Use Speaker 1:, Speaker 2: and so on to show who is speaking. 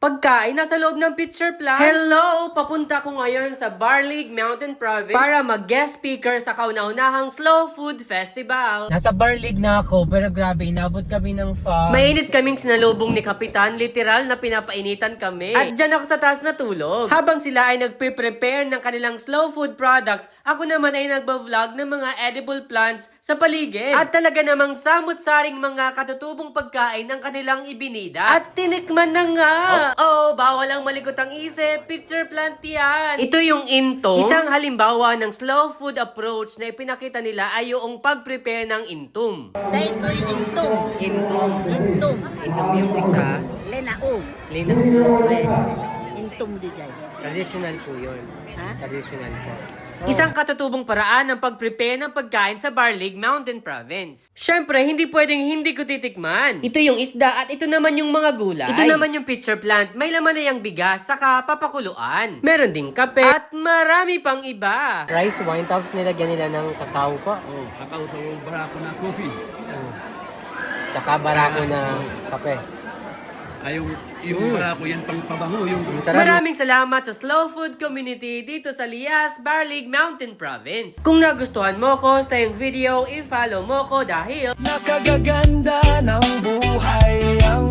Speaker 1: pagkain nasa loob ng picture plant. Hello! Papunta ko ngayon sa Barlig Mountain Province para mag-guest speaker sa kauna-unahang Slow Food Festival. Nasa Barlig na ako, pero grabe, inabot kami ng fog. Mainit kaming sinalubong ni Kapitan, literal na pinapainitan kami. At dyan ako sa taas natulog. Habang sila ay nagpe-prepare ng kanilang slow food products, ako naman ay nagba-vlog ng mga edible plants sa paligid. At talaga namang samut-saring mga katutubong pagkain ang kanilang ibinida. At tinikman na nga! Bawal ang malikot ang isip. Picture plant yan. Ito yung intom. Isang halimbawa ng slow food approach na ipinakita nila ay yung pag-prepare ng intom.
Speaker 2: Dahil ito yung intom.
Speaker 1: Intom.
Speaker 2: Intom.
Speaker 1: Intom yung isa.
Speaker 2: Lenaog.
Speaker 1: Linaw.
Speaker 2: Ay, intom di dyan.
Speaker 1: Traditional po yun.
Speaker 2: Ha?
Speaker 1: Traditional po. Isang katutubong paraan ng pag-prepare ng pagkain sa Barlig Mountain Province. Syempre, hindi pwedeng hindi ko titikman. Ito yung isda at ito naman yung mga gulay. Ito naman yung picture plant. May laman na yung bigas saka papakuluan. Meron ding kape at marami pang iba. Rice wine tapos nilagyan nila ng kakao pa.
Speaker 3: Kakao sa yung barako na coffee.
Speaker 1: Tsaka barako ng kape.
Speaker 3: Ay, yung barako yan pang pabango.
Speaker 1: Maraming salamat sa Slow Food Community dito sa Lias, Barlig Mountain Province. Kung nagustuhan mo ko sa yung video, i-follow mo ko dahil
Speaker 4: nakagaganda ng buhay ang